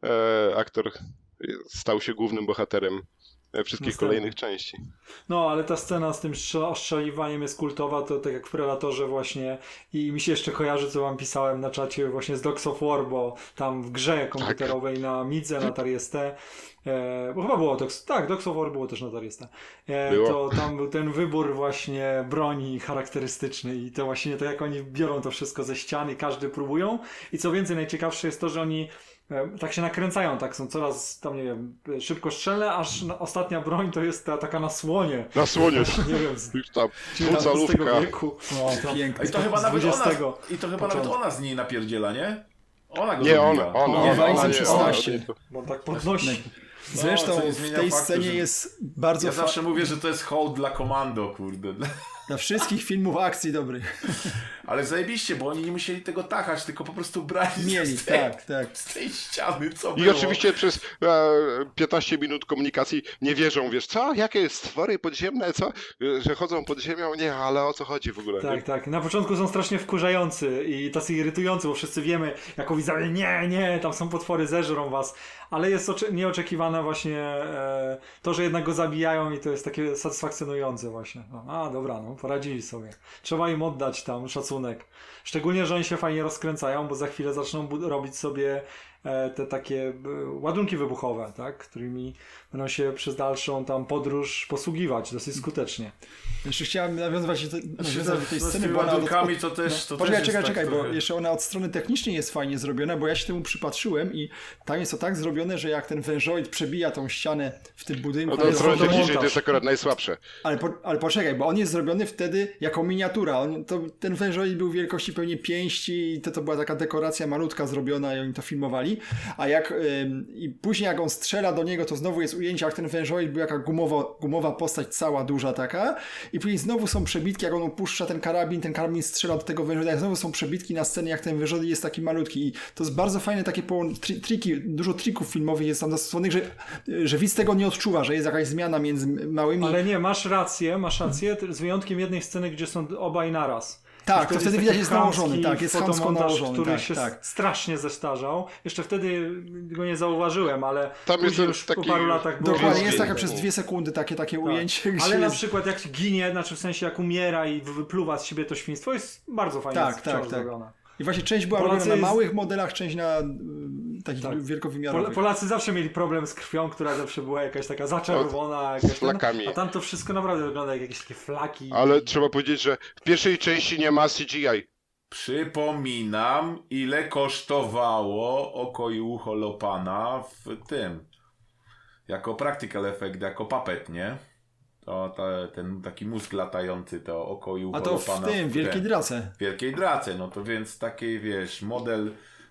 [SPEAKER 3] e, aktor stał się głównym bohaterem e, wszystkich
[SPEAKER 4] Następny.
[SPEAKER 3] kolejnych części.
[SPEAKER 4] No, ale ta scena z tym strzel- ostrzeliwaniem jest kultowa, to tak jak w Predatorze właśnie i mi się jeszcze kojarzy, co wam pisałem na czacie właśnie z Dogs of War, bo tam w grze komputerowej na Midze, na Atari S T, e, bo chyba było Dogs, tak, Dogs of War było też na Atari S T, e,
[SPEAKER 3] Było.
[SPEAKER 4] to tam był ten wybór właśnie broni charakterystyczny i to właśnie to jak oni biorą to wszystko ze ściany, każdy próbują i co więcej, najciekawsze jest to, że oni e, tak się nakręcają, tak są coraz tam, nie wiem, szybko strzelne, aż na, ostatnia broń to jest ta taka na słonie.
[SPEAKER 3] Na słonie.
[SPEAKER 4] Nie wiem, z
[SPEAKER 3] Już tam
[SPEAKER 4] dziewiętnastego
[SPEAKER 3] dwucalówka.
[SPEAKER 4] wieku.
[SPEAKER 1] O,
[SPEAKER 4] To-
[SPEAKER 1] piękny.
[SPEAKER 2] I to chyba nawet ona,
[SPEAKER 4] dwudziestego
[SPEAKER 2] i to chyba nawet
[SPEAKER 4] początku.
[SPEAKER 2] ona z niej napierdziela, nie? Ona go
[SPEAKER 3] Nie,
[SPEAKER 2] zabiła.
[SPEAKER 3] ona, ona,
[SPEAKER 1] Nie,
[SPEAKER 3] ona,
[SPEAKER 1] Wajsem
[SPEAKER 3] ona, nie,
[SPEAKER 1] szesnaście.
[SPEAKER 3] ona, nie,
[SPEAKER 4] Bo on tak podnosi.
[SPEAKER 1] Zresztą
[SPEAKER 2] No, co nie
[SPEAKER 1] w
[SPEAKER 2] zmienia
[SPEAKER 1] tej
[SPEAKER 2] faktu,
[SPEAKER 1] scenie
[SPEAKER 2] że-
[SPEAKER 1] jest bardzo
[SPEAKER 2] Ja
[SPEAKER 1] fa-
[SPEAKER 2] zawsze mówię, że to jest hołd dla komando, kurde.
[SPEAKER 1] dla wszystkich filmów akcji dobrych.
[SPEAKER 2] Ale zajebiście, bo oni nie musieli tego tachać, tylko po prostu brali
[SPEAKER 1] Mieli,
[SPEAKER 2] z tej,
[SPEAKER 1] tak, tak.
[SPEAKER 2] z tej ściany, co
[SPEAKER 3] I
[SPEAKER 2] było.
[SPEAKER 3] oczywiście przez e, piętnaście minut komunikacji nie wierzą, wiesz, co? Jakie stwory podziemne, co? E, Że chodzą pod ziemią? Nie, ale o co chodzi w ogóle?
[SPEAKER 4] Tak, tak. Na początku są strasznie wkurzający i tacy irytujący, bo wszyscy wiemy, jako widzowie, nie, nie, tam są potwory, zeżrą was. Ale jest ocze- nieoczekiwane właśnie e, to, że jednak go zabijają i to jest takie satysfakcjonujące właśnie. No, a, dobra, no, poradzili sobie. Trzeba im oddać tam szacunek. Szczególnie, że oni się fajnie rozkręcają, bo za chwilę zaczną bu- robić sobie e, te takie e, ładunki wybuchowe, tak? Którymi będą się przez dalszą tam podróż posługiwać dosyć skutecznie.
[SPEAKER 1] Jeszcze chciałem nawiązywać do, nawiązywać do tej
[SPEAKER 2] No, z
[SPEAKER 1] sceny,
[SPEAKER 2] tymi
[SPEAKER 1] bo ona od,
[SPEAKER 2] ładunkami to też... To
[SPEAKER 1] Poczekaj,
[SPEAKER 2] też
[SPEAKER 1] czekaj,
[SPEAKER 2] jest
[SPEAKER 1] czekaj,
[SPEAKER 2] tak
[SPEAKER 1] bo
[SPEAKER 2] trochę-
[SPEAKER 1] jeszcze ona od strony technicznej jest fajnie zrobiona, bo ja się temu przypatrzyłem i tam jest to tak zrobione, że jak ten wężoid przebija tą ścianę w tym budynku,
[SPEAKER 3] No to
[SPEAKER 1] ale,
[SPEAKER 3] od
[SPEAKER 4] jest
[SPEAKER 3] strony
[SPEAKER 4] fotomontaż.
[SPEAKER 3] technicznej to jest akurat najsłabsze.
[SPEAKER 1] ale, po, ale poczekaj, bo on jest zrobiony wtedy jako miniatura. On, to, ten wężoid był wielkości pewnie pięści i to, to była taka dekoracja malutka zrobiona i oni to filmowali, a jak ym, i później jak on strzela do niego, to znowu jest ujęcie, jak ten wężoid był jaka gumowo, gumowa postać, cała duża taka i później znowu są przebitki, jak on opuszcza ten karabin, ten karabin strzela do tego wężoida, znowu są przebitki na scenie, jak ten wężoid jest taki malutki i to jest bardzo fajne takie połą- tri- triki, dużo trików filmowych jest tam zastosowanych, że, że widz tego nie odczuwa, że jest jakaś zmiana między małymi.
[SPEAKER 4] Ale nie, masz rację, masz rację, z wyjątkiem jednej sceny, gdzie są obaj naraz.
[SPEAKER 1] Tak, to wtedy
[SPEAKER 4] taki
[SPEAKER 1] widać, jest nałożony,
[SPEAKER 4] chamski
[SPEAKER 1] tak, jest chamsko
[SPEAKER 4] fotomontaż,
[SPEAKER 1] nałożony,
[SPEAKER 4] który
[SPEAKER 1] tak,
[SPEAKER 4] się
[SPEAKER 1] tak.
[SPEAKER 4] strasznie zestarzał. Jeszcze wtedy go nie zauważyłem, ale
[SPEAKER 3] Tam jest
[SPEAKER 4] później
[SPEAKER 3] ten
[SPEAKER 4] już po
[SPEAKER 3] taki-
[SPEAKER 4] paru latach było
[SPEAKER 1] Dokładnie,
[SPEAKER 3] Jest
[SPEAKER 1] jest
[SPEAKER 3] film.
[SPEAKER 1] taka przez dwie sekundy takie, takie
[SPEAKER 4] Tak.
[SPEAKER 1] ujęcie, gdzie
[SPEAKER 4] Ale na
[SPEAKER 1] jest...
[SPEAKER 4] przykład jak ginie, znaczy w sensie jak umiera i wypluwa z siebie to świństwo, jest bardzo fajnie
[SPEAKER 1] Tak,
[SPEAKER 4] wciąż
[SPEAKER 1] tak, tak.
[SPEAKER 4] zrobiona.
[SPEAKER 1] I właśnie część była
[SPEAKER 4] Polacy
[SPEAKER 1] robiona na
[SPEAKER 4] jest-
[SPEAKER 1] małych modelach, część na y, takich
[SPEAKER 4] Tak.
[SPEAKER 1] wielkowymiarowych.
[SPEAKER 4] Pol- Polacy zawsze mieli problem z krwią, która zawsze była jakaś taka zaczerwona, jakaś ten,
[SPEAKER 3] flakami.
[SPEAKER 4] a tam to wszystko naprawdę wygląda jak jakieś takie flaki.
[SPEAKER 3] Ale trzeba powiedzieć, że w pierwszej części nie ma C G I.
[SPEAKER 2] Przypominam, ile kosztowało oko i ucho Lopana w tym. Jako practical effect, jako puppet, nie? To, to ten taki mózg latający, to oko i ucho
[SPEAKER 1] A to w
[SPEAKER 2] Lopana.
[SPEAKER 1] tym, w Wielkiej Drace.
[SPEAKER 2] w Wielkiej Drace. No to więc taki, wiesz, model,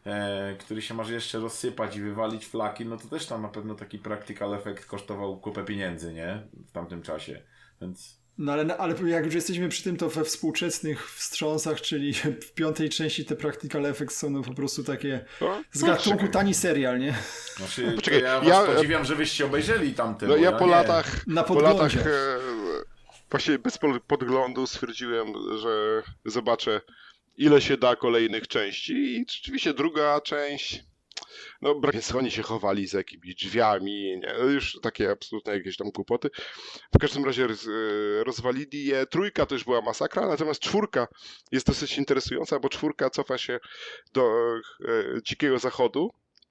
[SPEAKER 2] e, który się może jeszcze rozsypać i wywalić flaki, no to też tam na pewno taki practical effect kosztował kupę pieniędzy, nie? W tamtym czasie. Więc...
[SPEAKER 1] No ale, ale jak już jesteśmy przy tym, to we współczesnych wstrząsach, czyli w piątej części te practical effects są no po prostu takie
[SPEAKER 3] No,
[SPEAKER 1] z gatunku
[SPEAKER 3] czekaj.
[SPEAKER 1] tani serial, nie?
[SPEAKER 2] Znaczy,
[SPEAKER 3] Poczekaj,
[SPEAKER 2] to ja was
[SPEAKER 3] ja-
[SPEAKER 2] podziwiam, że wyście obejrzeli tamte.
[SPEAKER 3] No
[SPEAKER 2] bo
[SPEAKER 3] ja po
[SPEAKER 2] nie.
[SPEAKER 3] latach,
[SPEAKER 1] Na
[SPEAKER 3] po
[SPEAKER 1] podglądzie.
[SPEAKER 3] latach e, właśnie bez po- podglądu stwierdziłem, że zobaczę ile się da kolejnych części i rzeczywiście druga część, no brak jest, oni się chowali za jakimiś drzwiami, nie, już takie absolutne jakieś tam kłopoty. W każdym razie roz, e, rozwalili je, trójka też była masakra, natomiast czwórka jest dosyć interesująca, bo czwórka cofa się do e, Dzikiego Zachodu.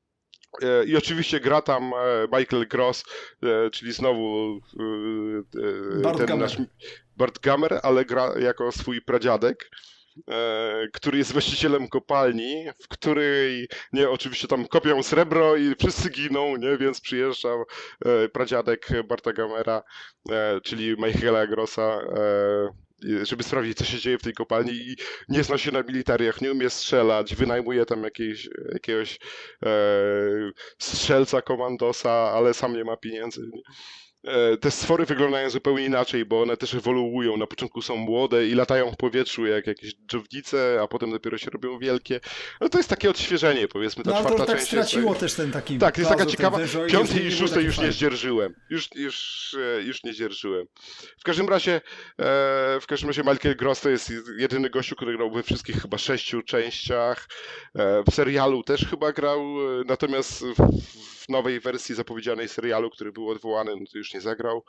[SPEAKER 3] E, I oczywiście gra tam e, Michael Gross, e, czyli znowu e, e,
[SPEAKER 1] Bart
[SPEAKER 3] ten
[SPEAKER 1] Gummer.
[SPEAKER 3] nasz Bart Gummer, ale gra jako swój pradziadek. e, który jest właścicielem kopalni, w której, nie, oczywiście tam kopią srebro i wszyscy giną, nie, więc przyjeżdża e, pradziadek Barta Gamera, e, czyli Michaela Grossa, e, żeby sprawdzić, co się dzieje w tej kopalni i nie zna się na militariach, nie umie strzelać, wynajmuje tam jakieś, jakiegoś e, strzelca, komandosa, ale sam nie ma pieniędzy. Nie? E, te stwory wyglądają zupełnie inaczej, bo one też ewoluują. Na początku są młode i latają w powietrzu jak jakieś dżownice, a potem dopiero się robią wielkie. No to jest takie odświeżenie, powiedzmy, ta
[SPEAKER 1] No ale to
[SPEAKER 3] czwarta
[SPEAKER 1] już tak
[SPEAKER 3] część
[SPEAKER 1] straciło
[SPEAKER 3] jest...
[SPEAKER 1] też ten taki
[SPEAKER 3] Tak, jest taka
[SPEAKER 1] plazo, ten
[SPEAKER 3] ciekawa.
[SPEAKER 1] wężoid,
[SPEAKER 3] Piątej
[SPEAKER 1] nie
[SPEAKER 3] i
[SPEAKER 1] był
[SPEAKER 3] szóstej
[SPEAKER 1] taki
[SPEAKER 3] już nie
[SPEAKER 1] fajny.
[SPEAKER 3] zdzierżyłem. Już, już, e, już nie zdzierżyłem. W każdym razie, e, w każdym razie Michael Gross to jest jedyny gościu, który grał we wszystkich chyba sześciu częściach. E, w serialu też chyba grał, e, natomiast w, w nowej wersji zapowiedzianej serialu, który był odwołany, no to już nie zagrał.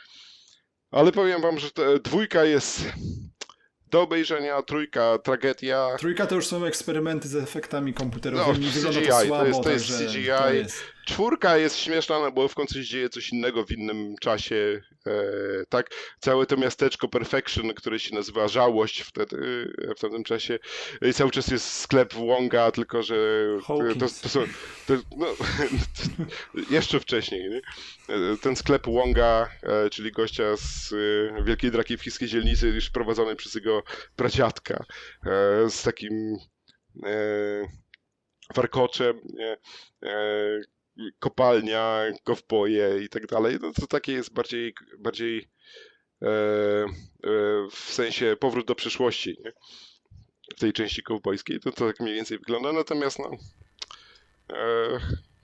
[SPEAKER 3] Ale powiem wam, że ta dwójka jest do obejrzenia, trójka tragedia.
[SPEAKER 1] Trójka to już są eksperymenty z efektami komputerowymi,
[SPEAKER 3] No,
[SPEAKER 1] wygląda
[SPEAKER 3] C G I,
[SPEAKER 1] to
[SPEAKER 3] to
[SPEAKER 1] słabo,
[SPEAKER 3] jest- to jest
[SPEAKER 1] także
[SPEAKER 3] C G I.
[SPEAKER 1] to jest...
[SPEAKER 3] Czwórka jest śmieszna, no bo w końcu się dzieje coś innego w innym czasie, e, tak? Całe to miasteczko Perfection, które się nazywa Żałość wtedy, e, w tamtym czasie. I cały czas jest sklep Wonga, tylko że to,
[SPEAKER 4] Hawkins.
[SPEAKER 3] to są... To, no, jeszcze wcześniej, nie? E, Ten sklep Wonga, e, czyli gościa z e, Wielkiej Drakiewskiej Dzielnicy, już prowadzony przez jego pradziadka, e, z takim... E, warkoczem, nie? E, kopalnia, kowboje i tak dalej, no to takie jest bardziej, bardziej e, e, w sensie powrót do przeszłości, nie? W tej części kowbojskiej, to, to tak mniej więcej wygląda, natomiast no e,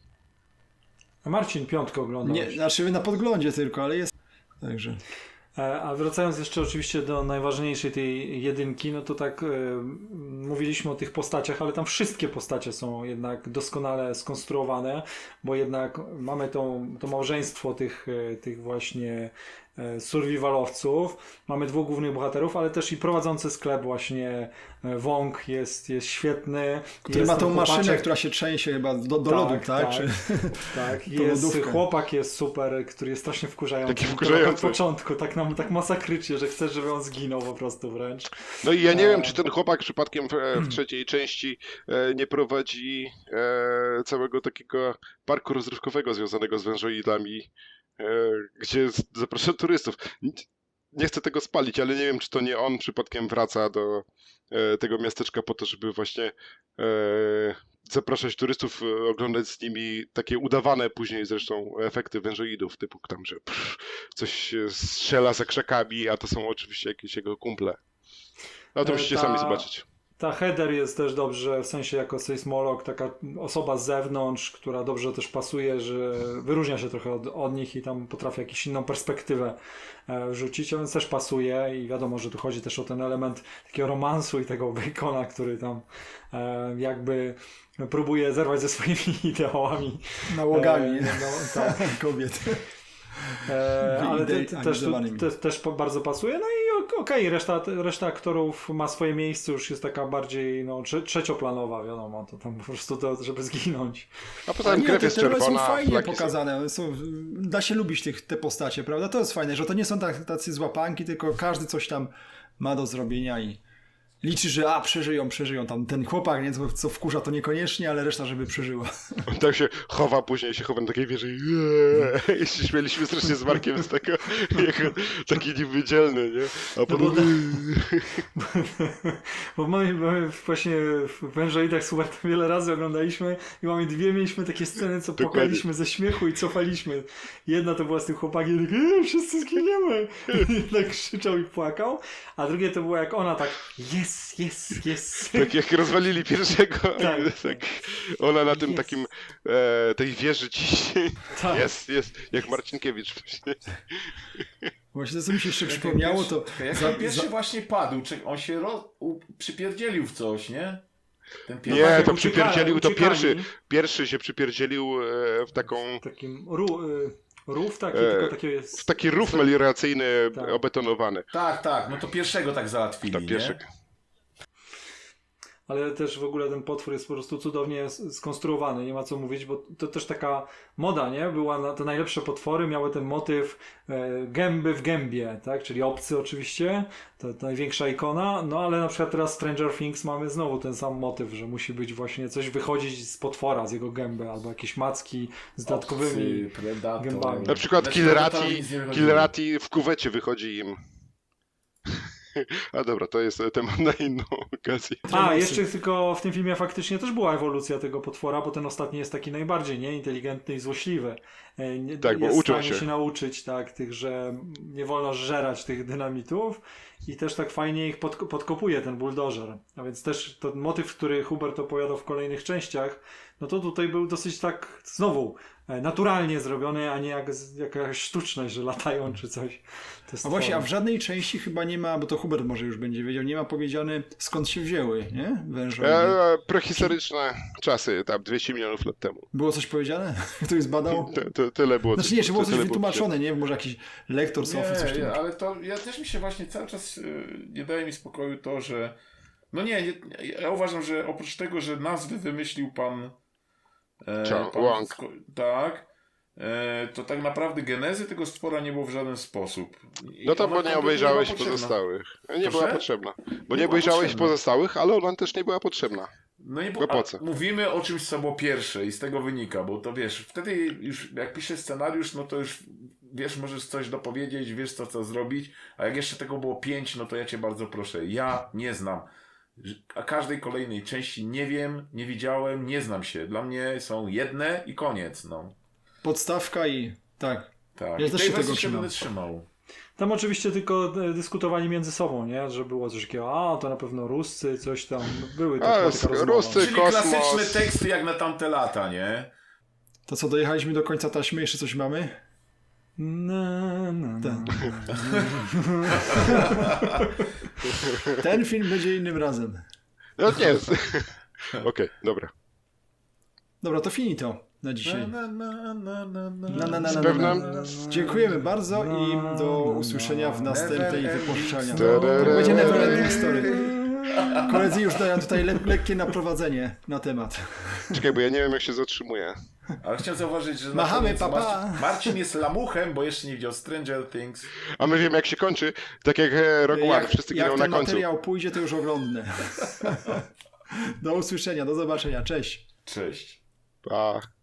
[SPEAKER 4] A Marcin piątkę oglądał.
[SPEAKER 1] Nie, znaczy na podglądzie tylko, ale jest... Także...
[SPEAKER 4] E, A wracając jeszcze oczywiście do najważniejszej tej jedynki, no to tak e, mówiliśmy o tych postaciach, ale tam wszystkie postacie są jednak doskonale skonstruowane, bo jednak mamy tą, to małżeństwo tych, e, tych właśnie e, survivalowców, mamy dwóch głównych bohaterów, ale też i prowadzący sklep właśnie e, Wong jest, jest świetny.
[SPEAKER 1] Który
[SPEAKER 4] Jest
[SPEAKER 1] ma tą
[SPEAKER 4] ten
[SPEAKER 1] maszynę,
[SPEAKER 4] chłopaczek-
[SPEAKER 1] która się trzęsie chyba do, do
[SPEAKER 4] Tak,
[SPEAKER 1] lodu, tak?
[SPEAKER 4] tak.
[SPEAKER 1] Czy...
[SPEAKER 4] Tak,
[SPEAKER 1] To
[SPEAKER 4] jest,
[SPEAKER 1] lodówka.
[SPEAKER 4] chłopak jest super, który jest strasznie wkurzający.
[SPEAKER 3] Taki
[SPEAKER 4] Od
[SPEAKER 3] wkurzający.
[SPEAKER 4] początku, tak nam tak masakrycznie, że chcesz, żeby on zginął po prostu wręcz.
[SPEAKER 3] no i ja nie
[SPEAKER 4] E,
[SPEAKER 3] wiem, czy ten chłopak przypadkiem w, w trzeciej części e, nie prowadzi e, całego takiego parku rozrywkowego związanego z wężoidami, e, gdzie z- zaprasza turystów. N- Nie chcę tego spalić, ale nie wiem, czy to nie on przypadkiem wraca do e, tego miasteczka po to, żeby właśnie e, zapraszać turystów, e, oglądać z nimi takie udawane później zresztą efekty wężoidów, typu tam, że pff, coś się strzela za krzakami, a to są oczywiście jakieś jego kumple. No to
[SPEAKER 4] E,
[SPEAKER 3] musicie
[SPEAKER 4] ta-
[SPEAKER 3] sami zobaczyć.
[SPEAKER 4] Ta Heather jest też dobrze, w sensie jako sejsmolog, taka osoba z zewnątrz, która dobrze też pasuje, że wyróżnia się trochę od, od nich i tam potrafi jakąś inną perspektywę e, wrzucić, a więc też pasuje i wiadomo, że tu chodzi też o ten element takiego romansu i tego Bacona, który tam e, jakby próbuje zerwać ze swoimi ideałami.
[SPEAKER 1] Nałogami
[SPEAKER 4] E, no, tak.
[SPEAKER 1] kobiet.
[SPEAKER 4] E, ale te, te, też, tu,
[SPEAKER 1] Wyidealizowanymi.
[SPEAKER 4] te, też po- bardzo pasuje. No i ok- okej, reszta, reszta aktorów ma swoje miejsce, już jest taka bardziej no, trze, trzecioplanowa, wiadomo, to tam po prostu to, żeby zginąć.
[SPEAKER 3] A poza
[SPEAKER 1] A
[SPEAKER 3] tym
[SPEAKER 1] nie,
[SPEAKER 3] krew
[SPEAKER 1] te,
[SPEAKER 3] jest
[SPEAKER 1] te role są
[SPEAKER 3] czerwona,
[SPEAKER 1] fajnie
[SPEAKER 3] flagi są...
[SPEAKER 1] pokazane. One Są, da się lubić tych, te postacie, prawda? To jest fajne, że to nie są tak, tacy złapanki, tylko każdy coś tam ma do zrobienia i liczy, że a, przeżyją, przeżyją. Tam ten chłopak, nie, co, co wkurza, to niekoniecznie, ale reszta, żeby przeżyła.
[SPEAKER 3] On tak się chowa, później się chowa na takiej wieży i i się śmieliśmy strasznie z Markiem z tego, jako taki niewydzielny, nie? A
[SPEAKER 4] bo
[SPEAKER 3] potem...
[SPEAKER 4] Bo mamy, mamy właśnie w Wężoidach super to wiele razy oglądaliśmy i mamy dwie, mieliśmy takie sceny, co
[SPEAKER 3] Dokładnie.
[SPEAKER 4] płakaliśmy ze śmiechu i cofaliśmy. Jedna to była z tym chłopakiem, tak, e, wszyscy zginiemy. I tak krzyczał i płakał, a drugie to było jak ona tak, yes, yes, yes.
[SPEAKER 3] Tak jak rozwalili pierwszego,
[SPEAKER 4] Tak.
[SPEAKER 3] tak, ona na tym
[SPEAKER 4] Jest.
[SPEAKER 3] takim, e, tej wieży ciśnie,
[SPEAKER 4] Tak.
[SPEAKER 3] jest, jest, jak Marcinkiewicz właśnie.
[SPEAKER 1] Właśnie to, co mi się jeszcze
[SPEAKER 2] Jak
[SPEAKER 1] przypomniało,
[SPEAKER 2] ten
[SPEAKER 1] to...
[SPEAKER 2] pierwszy- Jak
[SPEAKER 1] za-
[SPEAKER 2] ten pierwszy
[SPEAKER 1] za-
[SPEAKER 2] właśnie padł, czy on się roz... u... przypierdzielił w coś, nie? Ten
[SPEAKER 3] Nie,
[SPEAKER 2] pierwszy.
[SPEAKER 4] tak,
[SPEAKER 3] to
[SPEAKER 4] jak
[SPEAKER 3] przypierdzielił, to
[SPEAKER 4] uciekali.
[SPEAKER 3] pierwszy, pierwszy się przypierdzielił e, w taką,
[SPEAKER 4] Takim ru, y, rów taki,
[SPEAKER 3] E,
[SPEAKER 4] tylko takie jest...
[SPEAKER 3] w taki rów melioracyjny
[SPEAKER 4] Tak.
[SPEAKER 3] obetonowany.
[SPEAKER 2] Tak, tak, no to pierwszego tak załatwili,
[SPEAKER 3] To
[SPEAKER 2] nie?
[SPEAKER 3] pierwszy,
[SPEAKER 4] ale też w ogóle ten potwór jest po prostu cudownie s- skonstruowany, nie ma co mówić, bo to też taka moda, nie? Była na, te najlepsze potwory miały ten motyw e, gęby w gębie, tak? Czyli obcy oczywiście, to, to największa ikona, no ale na przykład teraz Stranger Things mamy znowu ten sam motyw, że musi być właśnie coś wychodzić z potwora, z jego gęby, albo jakieś macki z dodatkowymi
[SPEAKER 2] Obcy, Predator.
[SPEAKER 4] gębami.
[SPEAKER 3] Na przykład
[SPEAKER 2] Znaczy,
[SPEAKER 3] Killerati,
[SPEAKER 2] Predatorowi nic nie wychodziło.
[SPEAKER 3] Killerati w kuwecie wychodzi im. A dobra, to jest temat na inną okazję.
[SPEAKER 4] A, jeszcze tylko w tym filmie faktycznie też była ewolucja tego potwora, bo ten ostatni jest taki najbardziej, nie? Inteligentny i złośliwy. E, Nie,
[SPEAKER 3] Tak, bo
[SPEAKER 4] jest
[SPEAKER 3] uczą
[SPEAKER 4] w stanie
[SPEAKER 3] się.
[SPEAKER 4] się nauczyć, tak, tych, że nie wolno żerać tych dynamitów i też tak fajnie ich podko- podkopuje ten buldożer. A więc też ten motyw, który Hubert opowiadał w kolejnych częściach, no to tutaj był dosyć tak znowu e, naturalnie zrobiony, a nie jak z- jakaś sztuczność, że latają czy coś. To jest
[SPEAKER 1] A właśnie, a w
[SPEAKER 4] fajne.
[SPEAKER 1] żadnej części chyba nie ma, bo to Hubert może już będzie wiedział, nie ma powiedziane skąd się wzięły, nie? Wężowie.
[SPEAKER 3] E, prehistoryczne czasy, tam dwieście milionów lat temu.
[SPEAKER 1] Było coś powiedziane? Ktoś zbadał?
[SPEAKER 3] To, to, tyle było.
[SPEAKER 1] Znaczy nie, czy było coś
[SPEAKER 3] tyle
[SPEAKER 1] wytłumaczone, nie? Może jakiś lektor Sofii coś
[SPEAKER 2] Nie,
[SPEAKER 1] tam.
[SPEAKER 2] ale to ja też mi się właśnie cały czas y, nie daje mi spokoju to, że no nie, nie ja uważam, że oprócz tego, że nazwy wymyślił pan, e,
[SPEAKER 3] Ciao,
[SPEAKER 2] pan
[SPEAKER 3] Wong.
[SPEAKER 2] sko- tak, e, to tak naprawdę genezy tego stwora nie było w żaden sposób. I
[SPEAKER 3] No to
[SPEAKER 2] ona
[SPEAKER 3] bo nie
[SPEAKER 2] kompletnie
[SPEAKER 3] obejrzałeś
[SPEAKER 2] była potrzebna.
[SPEAKER 3] pozostałych. Nie
[SPEAKER 2] Proszę?
[SPEAKER 3] była potrzebna. Bo nie,
[SPEAKER 2] była
[SPEAKER 3] obejrzałeś
[SPEAKER 2] potrzebna.
[SPEAKER 3] pozostałych, ale ona też nie była potrzebna.
[SPEAKER 2] No i
[SPEAKER 3] Bo
[SPEAKER 2] bo,
[SPEAKER 3] po
[SPEAKER 2] a
[SPEAKER 3] co?
[SPEAKER 2] mówimy o czymś, co było pierwsze i z tego wynika, bo to wiesz, wtedy już jak piszesz scenariusz, no to już wiesz, możesz coś dopowiedzieć, wiesz co, co zrobić, a jak jeszcze tego było pięć, no to ja cię bardzo proszę, ja nie znam. A każdej kolejnej części nie wiem, nie widziałem, nie znam się. Dla mnie są jedne i koniec, no.
[SPEAKER 1] Podstawka i tak.
[SPEAKER 2] Tak.
[SPEAKER 1] Ja
[SPEAKER 2] I
[SPEAKER 1] też
[SPEAKER 2] tej
[SPEAKER 1] się tego
[SPEAKER 2] wersji się
[SPEAKER 1] trzymam.
[SPEAKER 2] będę trzymał.
[SPEAKER 4] Tam oczywiście tylko e, dyskutowali między sobą, nie? Że było coś takiego, a to na pewno Ruscy, coś tam, były
[SPEAKER 3] A,
[SPEAKER 4] taka, taka
[SPEAKER 3] z-
[SPEAKER 4] rozmowa.
[SPEAKER 3] Ruscy-
[SPEAKER 2] Czyli
[SPEAKER 3] kosmos.
[SPEAKER 2] klasyczne teksty jak na tamte lata, nie?
[SPEAKER 1] To co, dojechaliśmy do końca taśmy, jeszcze coś mamy?
[SPEAKER 4] Na, na, na.
[SPEAKER 1] Ten film będzie innym razem.
[SPEAKER 3] No nie jest. Okej, dobra.
[SPEAKER 1] Dobra, to finito na dzisiaj.
[SPEAKER 2] Na, na, na, na, na,
[SPEAKER 1] Na, na, na,
[SPEAKER 3] Z
[SPEAKER 1] na, na,
[SPEAKER 3] pewnym-
[SPEAKER 1] na. Dziękujemy bardzo i do usłyszenia w następnej
[SPEAKER 2] Never
[SPEAKER 1] wypuszczania.
[SPEAKER 2] ending
[SPEAKER 3] story.
[SPEAKER 1] To będzie never ending story. Koledzy już dają tutaj le lekkie naprowadzenie na temat.
[SPEAKER 3] Czekaj, bo ja nie wiem jak się zatrzymuje.
[SPEAKER 2] Ale chciałem zauważyć, że na
[SPEAKER 1] Machamy,
[SPEAKER 2] koniec
[SPEAKER 1] pa, pa.
[SPEAKER 2] Marcin, Marcin jest lamuchem, bo jeszcze nie widział Stranger Things.
[SPEAKER 3] A my wiemy jak się kończy. Tak jak e, Rogue One,
[SPEAKER 1] Jak,
[SPEAKER 3] wszyscy
[SPEAKER 1] jak
[SPEAKER 3] giną
[SPEAKER 1] ten
[SPEAKER 3] na końcu.
[SPEAKER 1] materiał pójdzie, to już oglądnę. Do usłyszenia, do zobaczenia, cześć.
[SPEAKER 2] Cześć.
[SPEAKER 3] Pa.